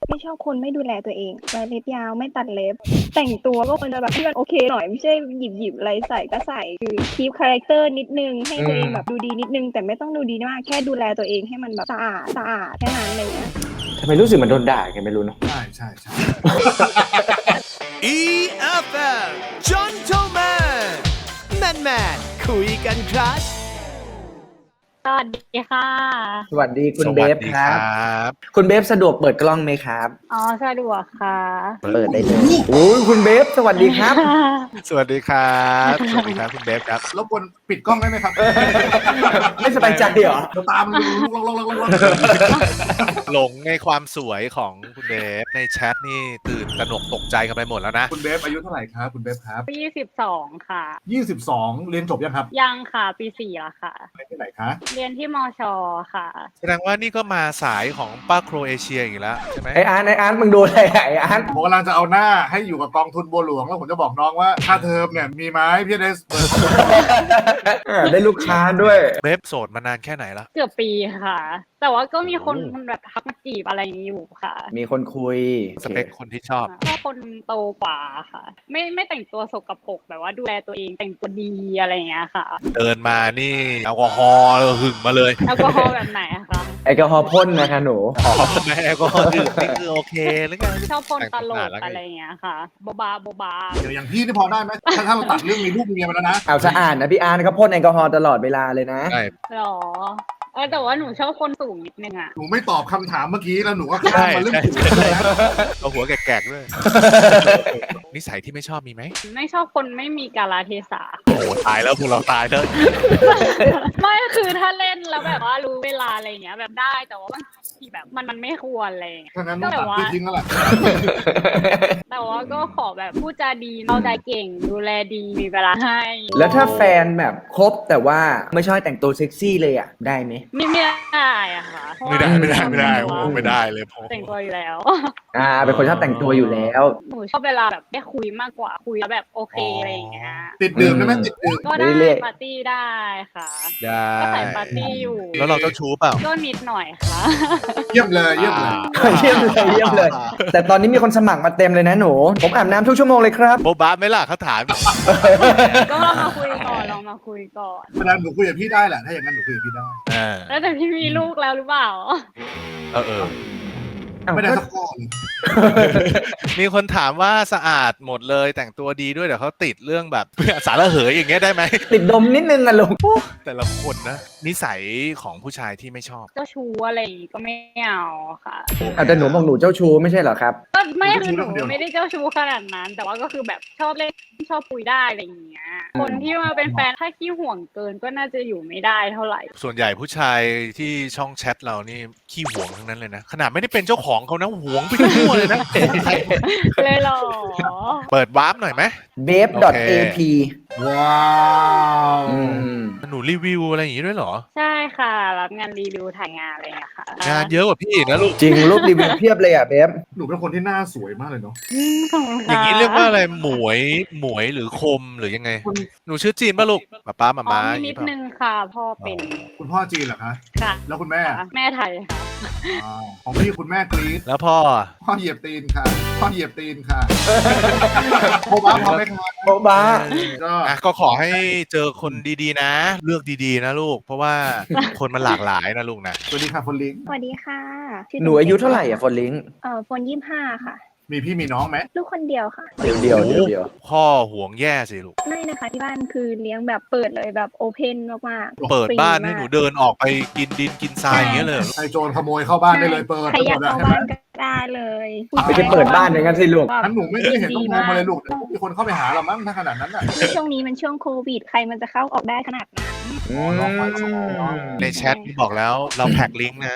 ไม่ชอบคนไม่ดูแลตัวเองไว้เล็บยาวไม่ตัดเล็บแต่งตัวก็ควรจะแบบที่มันโอเคหน่อยไม่ใช่หยิบอะไรใส่ก็ใส่คือคีปคาแรคเตอร์นิดนึงให้ตัวเองแบบดูดีนิดนึงแต่ไม่ต้องดูดีมากแค่ดูแลตัวเองให้มันแบบสะอาดแค่นั้นอะไรเงี้ยทำไมรู้สึกเหมือนโดนด่ากันไม่รู้เนาะใช่ EFM Gentleman Man คุยกันครับสวัสดีค่ะสวัสดีคุณเบฟครับบคุณเบฟสะดวกเปิดกล้องไหมครับอ๋อสะดวกค่ะเปิดได้เลยโอ้ยคุณเบฟสวัสดีครับสวัสดีครับสวัสดีครับคุณเบฟครับรบกวนปิดกล้องได้ไหมครับไม่สบายใจเหรอเดี๋ยวตามลูกหลงในความสวยของคุณเบฟในแชทนี่ตื่นตระหนกตกใจกันไปหมดแล้วนะคุณเบฟอายุเท่าไหร่ครับคุณเบฟครับ 22ค่ะ 22เรียนจบยังครับยังค่ะปี4แล้วค่ะเรียนที่ไหนคะเรียนที่มชค่ะแสดงว่านี่ก็มาสายของป้าโครเอเชียอีกแล้วใช่ไหมไออาร์ตมึงดูอะไรอะไออาร์ตผมกำลังจะเอาหน้าให้อยู่กับกองทุนบัวหลวงแล้วผมจะบอกน้องว่าค่าเทอมเนี่ยมีไหมพี่ได้เปิดได้ลูกค้าด้วยเบฟโสดมานานแค่ไหนละเกือบปีค่ะ แต่ว่าก็มีคนแบบทักมาจีบอะไรอย่างนี้อยู่ค่ะมีคนคุยสเปคคนที่ชอบชอบคนโตกว่าค่ะ ไม่แต่งตัวสกปรกแบบว่าดูแลตัวเองแต่งตัวดีอะไรอย่างเงี้ยค่ะเดินมานี่แอลกอฮอล์หึงมาเลยแอลกอฮอล์แบบไหนอะคะแอลกอฮอล์พ่นนะคะหนูแม่แอลกอฮอล์ดื่มนี่คือโอเคหรือไงชอบคนตลกแต่งตัวขนาดนั้นอะไรอย่างเงี้ยค่ะโบบาเดี๋ยวอย่างพี่นี่พอได้ไหมถ้าเราตัดเรื่องมีลูกมีเมียมาแล้วนะเอาสะอาดนะพี่อาร์ตเขาพ่นแอลกอฮอล์ตลอดเวลาเลยนะใช่หรอแต่ว่าหนูชอบคนสูงนิดนึงอะหนูไม่ตอบคำถามเมื่อกี้แล้วหนูก็ข้ามใช่มาเรื่องใช่ผิวเลยนะเอาหัวแกกๆด้วย นิสัยที่ไม่ชอบมีไหมไม่ชอบคนไม่มีกาลเทศะโอ้โหตายแล้วพวกเราตายแล้วไม่คือถ้าเล่นแล้วแบบว่ารู้เวลาอะไรอย่างเงี้ยแบบได้แต่ว่าบางทีแบบมันไม่ควรอะไรอย่างเงี้ยถ้างั้นต้องตัดพี่ทิ้งแล้วล่ะแต่ว่าก็ขอแบบพูดจาดีเข้าใจเก่งดูแลดีมีเวลาให้แล้วถ้าแฟนแบบคบแต่ว่าไม่ชอบแต่งตัวเซ็กซี่เลยอ่ะ ได้ไหมไม่ได้อะค่ะเพราะไม่ว่าได้โอ้โหไม่ได้เลยผมแต่งตัวอยู่แล้วเป็นคนชอบแต่งตัวอยู่แล้วหนูชอบเวลาแบบได้คุยมากกว่าคุยแล้วแบบโอเคอะไรอย่างเงี้ยติดดื่มได้ไหมติดดื่มก็ได้เรื่อยๆปาร์ตี้ได้ค่ะได้ก็ใส่ปาร์ตี้อยู่แล้วเราเจ้าชู้เปล่าก็นิดหน่อยค่ะเยี่ยมเลยเยี่ยมเลยเยี่ยมเลยเยี่ยมเลย แต่ตอนนี้มีคนสมัครมาเต็มเลยนะหนู ผมอาบน้ำทุกชั่วโมงเลยครับโบ๊ะบ้าไหม่ล่ะเขาถามก็ลองมาคุยก่อนลองมาคุยก่อนเพราะฉะนั้นหนูคุยกับพี่ได้แหละถ้าอย่างนั้นหนูคุยกับพี่ได้เออแล้วแต่พี่มีลูกแล้วหรือเปล่าเออไม่ได้สักข้อเลยมีคนถามว่าสะอาดหมดเลยแต่งตัวดีด้วยเดี๋ยวเขาติดเรื่องแบบ สารระเหยอย่างเงี้ยได้ไหมติดดมนิดนึงอะลุงแต่ละคนนะ นิสัยของผู้ชายที่ไม่ชอบเจ้าชู้อะไรอย่างงี้ก็ไม่เอาค่ะแต่หนูบอกหนูเจ้าชู้ไม่ใช่เหรอครับก็ไม่คือหนูไม่ได้เจ้าชู้ขนาดนั้น แต่ว่าก็คือแบบชอบเล่นชอบคุยได้อะไรอย่างเงี้ย คนที่มาเป็นแฟนถ้าขี้ห่วงเกินก็น่าจะอยู่ไม่ได้เท่าไหร่ส่วนใหญ่ผู้ชายที่ช่องแชทเรานี่ขี้หวงทั้งนั้นเลยนะ ขนาดไม่ได้เป็นเจ้าของเขานะหวงไปทั่วเลยนะเลยเหรอเปิดวาร์ปหน่อยไหม b a b ap ว้าวอืมหนูรีวิวอะไรอย่างงี้ด้วยเหรอใช่ค่ะ รับงานรีวิวถ่ายงานอะไรอย่างเงี้ยค่ะงานเยอะกว่าพี่อีกนะลูกจริงรูปรีวิวเพียบเลยอ่ะเบฟหนูเป็นคนที่หน้าสวยมากเลยเนาะขอบคุณอค่ะย่างนี้เรียกว่าอะไรหมวยหรือคมหรือยังไง หนูชื่อจีนป่ะลูกป้าอ๋อม้ามีนิดนึงค่ะ พ่อเป็นคุณพ่อจีนเหรอคะค่ะแล้วคุณแม่แม่ไทยค่ะอ่าของพี่คุณแม่กรี๊ดแล้วพ่อพ่อเหยียบตีนค่ะ พ่อเหยียบตีนค่ะโบบ้าพอไหมคะโบ๊ะบ้าก็อ่ะก็ขอให้เจอคนดีๆนะ เลือกดีๆนะลูก เพราะว่าคนมันหลากหลายนะลูกนะสวัสดีค่ะคนลิงสวัสดีค่ะหนูอายุเท่าไหร่อ่ะฟอนลิงฝน25 ค่ะมีพี่มีน้องไหมลูกคนเดียวค่ะเดี๋ยวพ่อห่วงแย่สิลูกไม่นะคะที่บ้านคือเลี้ยงแบบเปิดเลยแบบโอเพนมากๆเปิดบ้านฟรีให้มกหนูเดินออกไปกินดินกินทรายอย่างเงี้ยเลยเหรอใครโจรขโมยเข้าบ้านได้เลยเปิดใครไปอหมยากดแล้วเข้าใช่ไหมบ้านก็ได้เลยไม่ใช่เปิดบ้านอย่างนั้นสิลูกงั้นหนูไม่ได้เห็นต้องโทรมาเลยลูกเดี๋ยวมีคนเข้าไปหาเรามั้งถ้าขนาดนั้นน่ะช่วงนี้มันช่วงโควิด ใครมันจะเข้าออกได้ขนาดนั้นในแชทบอกแล้วเราแพ็กลิงก์นะ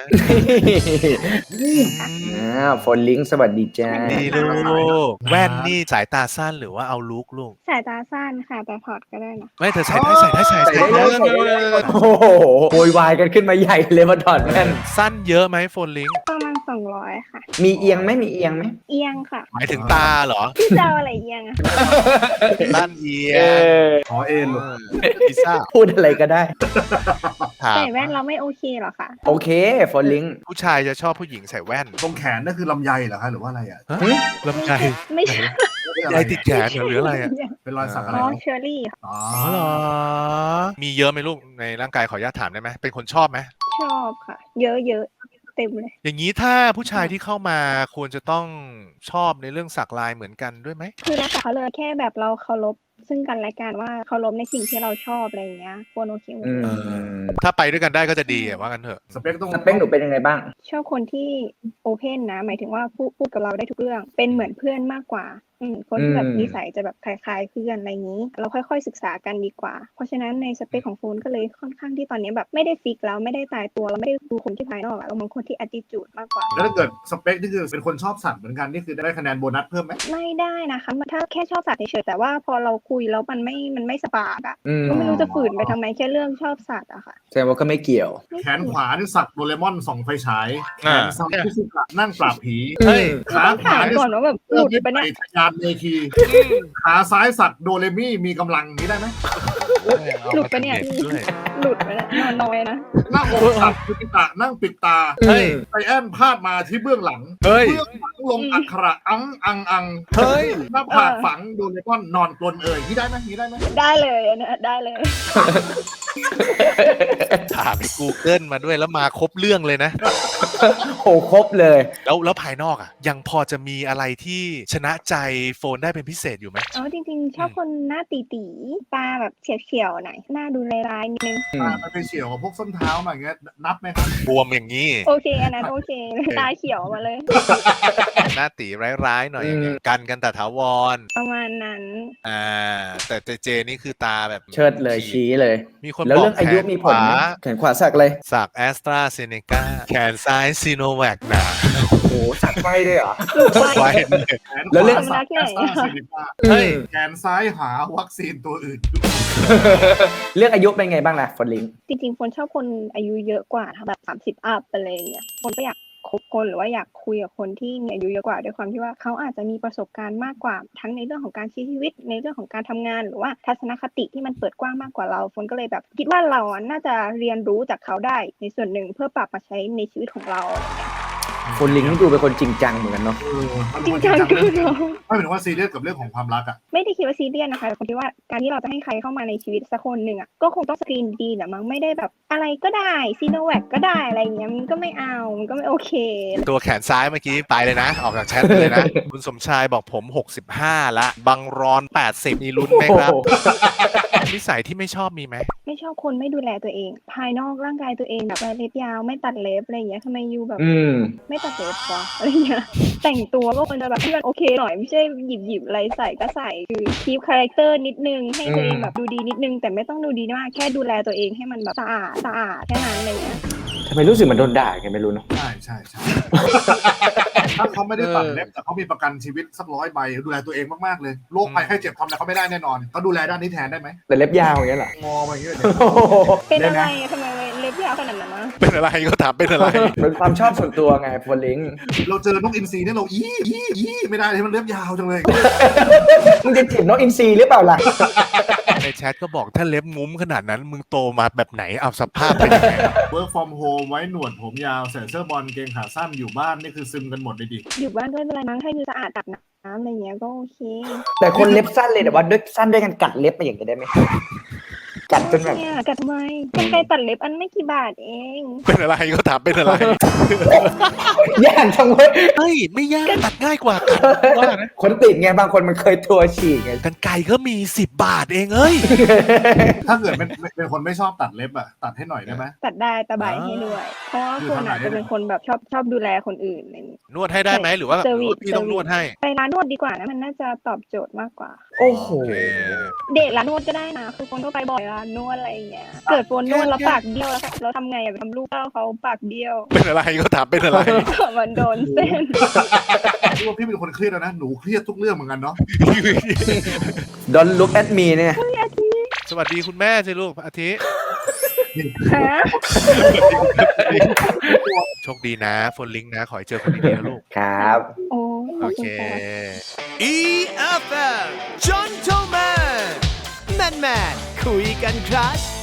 ฟอนลิงสวัสดีจ้าดีลูกแว่นนี่สายตาสั้นหรือว่าเอาลุกลูกสายตาสั้นค่ะแต่ถอดก็ได้นะไม่เธอใส่ได้ใส่ได้เลยโอ้โหโวยวายกันขึ้นมาใหญ่เลยมาถอดแว่นสั้นเยอะไหมโฟนลิงก์ประมาณ 200ค่ะมีเอียงไหมมีเอียงไหมเอียงค่ะหมายถึงตาเหรอพี่จะเอาอะไรเอียงอะด้านเอียเอง อขอเอ็นลูกพิซซ่าพูดอะไรก็ได้ถามใส่แว่นเราไม่โอเคเหรอคะโอเคฟอลลิงผู้ชายจะชอบผู้หญิงใส่แว่นตรงแขนนั่นคือลำไยเหรอคะหรือว่าอะไรอ่ะลำไยไม่ใช่ลายติดแขนเหรอหรืออะไรอ่ะเป็นรอยสักอะไรอ๋อเนอะเชอรี่ค่ะอ๋ออ๋อเหรอมีเยอะไหมลูกในร่างกายขออนุญาตถามได้ไหมเป็นคนชอบไหมชอบค่ะ เยอะๆเต็มเลยอย่างนี้ถ้าผู้ชายที่เข้ามาควรจะต้องชอบในเรื่องสักลายเหมือนกันด้วยไหมคือแล้วแต่เขาเลยแค่แบบเราเคารพซึ่งกันและกันว่าเคารพในสิ่งที่เราชอบอะไรอย่างเงี้ยควรโอเคหมดอืเลยมถ้าไปด้วยกันได้ก็จะดีอะว่ากันเถอะสเปคต้องสเปคหนูเป็นยังไงบ้างชอบคนที่โอเพนนะ หมายถึงว่าพูดกับเราได้ทุกเรื่อง เป็นเหมือนเพื่อนมากกว่า คนที่แบบอืมนิสัยจะแบบคล้ายๆเพื่อนอะไรอย่างนี้ เราค่อยๆศึกษากันดีกว่า เพราะฉะนั้นในสเปคของโฟนก็เลยค่อนข้างที่ตอนนี้แบบไม่ได้ฟิกแล้วไม่ได้ตายตัวเราไม่ได้ดูคนที่ภายนอกอะเรามองคนที่ attitude มากกว่าแล้วถ้าเกิดสเปคนี่คือเป็นคนชอบสัตว์เหมือนกันนี่คือได้คะแนนโบนัสเพิ่มไหมไม่ได้นะคะถ้าแค่ชอบสัตว์เฉยๆแต่ว่าพอเราคุยแล้วมันไม่สปาร์กอะอืมก็ไม่รู้จะฝืนไปทำไมแค่เรื่องชอบสัตว์อะค่ะแสดงว่าก็ไม่เกี่ยวแขนขวานี่สักโดเรมอนส่องไฟฉายแขอ่านซ้ายที่สุกะนั่งปราบผีเฮ้ยขาต้องขวาถามนี่ก่อนว่าแบบหเริ่ลุมดยึดไปะไปเนี่ยทะยานเมคีขาซ้ายสักโดเรมี่มีกำลังนี้ได้ไหมหลุดไปะเนี่ยด้วยหลุดไปแล้วนอนน้อยนะหน้าอกสักคุติตะนั่งปิดตาเฮ้ยไซแอนพาดมาที่เบื้องหลังเฮ้ยเบื้องหลังลงอักขระอังอังอังเฮ้ยหน้าผากฝังโดเรมอนนอนกลนนี่ได้ไหมนี่ได้ไหมได้เลยอันเนี้ยได้เลยถามไป Google มาด้วยแล้วมาครบเรื่องเลยนะโหครบเลยแล้วภายนอกอ่ะ ยังพอจะมีอะไรที่ชนะใจโฟนได้เป็นพิเศษอยู่ไหมอ๋อจริงๆ ชอบคนหน้าตีๆตาแบบเฉียวๆหน่อยหน้าดูร้ายๆนิดนึงมันไปเฉียวกับพวกส้นเท้ามาอย่างเงี้ยนับไหมครับบวมอย่างนี้โอเคอันนั้นโอเคตาเขียวมาเลยหน้าตีร้ายๆหน่อยอย่างเงี้ยกันตะถาวรประมาณนั้นแต่เจนี่คือตาแบบเชิดเลยชี้เลยมีคนแล้วบอกเรื่องอายุมีผลไหมแขนขวาแขนขวาสักเลยสักแอสตราเซเนกาแขนซ้ายซีโนแวคนะโอ้โหสักไฟด้วยเหรอไว้แขนแล้วขเรื่องวาสักแอสตราเซเนกาเฮ้ยแขนซ้ายหาวัคซีนตัวอื่นเรื่องอายุเป็นไงบ้างล่ะฟอลลิงจริงๆคนชอบคนอายุเยอะกว่าแบบ30 อัพอะไรอย่างเงี้ยคนก็อยากคบคนหรือว่าอยากคุยกับคนที่มีอายุเยอะกว่าด้วยความที่ว่าเขาอาจจะมีประสบการณ์มากกว่าทั้งในเรื่องของการใช้ชีวิตในเรื่องของการทำงานหรือว่าทัศนคติที่มันเปิดกว้างมากกว่าเราฝนก็เลยแบบคิดว่าเราน่าจะเรียนรู้จากเขาได้ในส่วนหนึ่งเพื่อปรับมาใช้ในชีวิตของเราอะไรเงี้ยฟอลลิงนี่ดูเป็นคนจริงจังเหมือนกันเนาะจริงจังคือเราไม่เป็นว่าซีเรียสกับเรื่องของความรักอ่ะไม่ได้คิดว่าซีเรียสนะคะแต่ผมคิดว่าการที่เราจะให้ใครเข้ามาในชีวิตสักคนหนึ่งอ่ะก็คงต้องสกรีนดีๆแหละมั้งไม่ได้แบบอะไรก็ได้ซีโนแวคก็ได้อะไรเงี้ยมันก็ไม่เอามันก็ไม่โอเคตัวแขนซ้ายเมื่อกี้ไปเลยนะ ออกจากแชทไปเลยนะ คุณสมชายบอกผม 65 ละ บังรอน 80 มีลุ้นไหมครับ นิสัยที่ไม่ชอบมีไหมไม่ชอบคนไม่ดูแลตัวเอง ภายนอกร่างกายตัวเองแบบเล็บยาวไม่ตัดเล็บอะไรอย่างเงี้ยทำไมยูแบบอืมไม่ตัดเล็บวะอะไรเงี้ยแต่งตัวก็ควรจะแบบให้มันโอเคหน่อยไม่ใช่หยิบอะไรใส่ก็ใส่คือคีปคาแรคเตอร์นิดนึงให้ตัวเองแบบดูดีนิดนึงแต่ไม่ต้องดูดีมากแค่ดูแลตัวเองให้มันแบบสะอาดแค่นั้นอะไรเงี้ยทำไมรู้สึกเหมันโดนด่าไงไม่รู้เนาะใช่ใช่ใช่ ถ้าเขาไม่ได้ตัดเล็บแต่เขามีประกันชีวิตสัก100 ใบดูแลตัวเองมากๆเลยโรคภัยไข้เจ็บทำอะไรเขาไม่ได้แน่นอนเขาดูแลด้านนี้แทนได้ไหมแต่เล็บยาวอย่างเงี้ยเหรองอมาอย่างเงี้ยโอ้โหเป็นอะไรดี๋ยวอะทำไมเล็บยาวขนาดนั้นนะเป็นอะไรก็ถามเป็นอะไรเป็นความชอบส่วนตัวไงฟอลลิงเราเจอนกอินทรีเนี่ยเราอี้ไม่ได้เลยมันเล็บยาวจังเลยมึงจะจีบน้องอินซีหรือเปล่าล่ะในแชทก็บอกถ้าเล็บงุ้มขนาดนั้น มึงโตมาแบบไหนเอาสภาพเป็นยังไง work from home ไว้หนวดผมยาวใส่เสื้อบอลเกงขาสั้นอยู่บ้านนี่คือซึมกันหมดเลยดิอยู่บ้านก็ไม่เป็นไรมั้งให้ดูสะอาดตัดน้ำอะไรเงี้ยก็โอเคแต่คนเล็บสั้นเลยแต่ว่าด้วยสั้นด้วยกันกัดเล็บมาอย่างเงี้ยได้ไหมกัดจนแบบเนี่ยกัดทำไมกรรไกรตัดเล็บอันไม่กี่บาทเองเป็นอะไรก็ถามเป็นอะไรยากจังเว้ยเฮ้ย ไม่ยากตัดง่ายกว่ากันว่านะคนติดไงบางคนมันเคยตัวฉีกไงกันไก่ก็มี 10 บาทเองเอ้ยถ้าเกิดเป็นคนไม่ชอบตัดเล็บอะตัดให้หน่อยได้ไหมตัดได้ตะไบให้ด้วย เพราะว่าคนอาจจะเป็นคนแบบชอบดูแลคนอื่นอะไรอย่างเงี้ยนวดให้ได้ไหมหรือว่าเซอร์วิสพี่ต้องนวดให้ไปร้านนวดดีกว่านะมันน่าจะตอบโจทย์มากกว่าโอ้โหเดทร้านนวดก็ได้นะคือคนก็ไปบ่อยร้านนวดอะไรอย่างเงี้ยเกิดโฟนนวดแล้วปากเบี้ยวแล้วเราทำไงอะไปทำลูกเต้าเขาปากเบี้ยวเป็นอะไรก็ถามเป็นอะไรมันโดนเส้นพี่ว่าพี่เป็นคนเครียดแล้วนะหนูเครียดทุกเรื่องเหมือนกันเนาะ Don't look at me เนี่ยสวัสดีคุณแม่สิลูกอาทิฮะโชคดีนะโฟนลิงก์นะ ขอให้เจอคนดีๆนะลูกครับโอ้ขโออบคุเคณค่ะ EFM Gentleman Man คุยกันครัช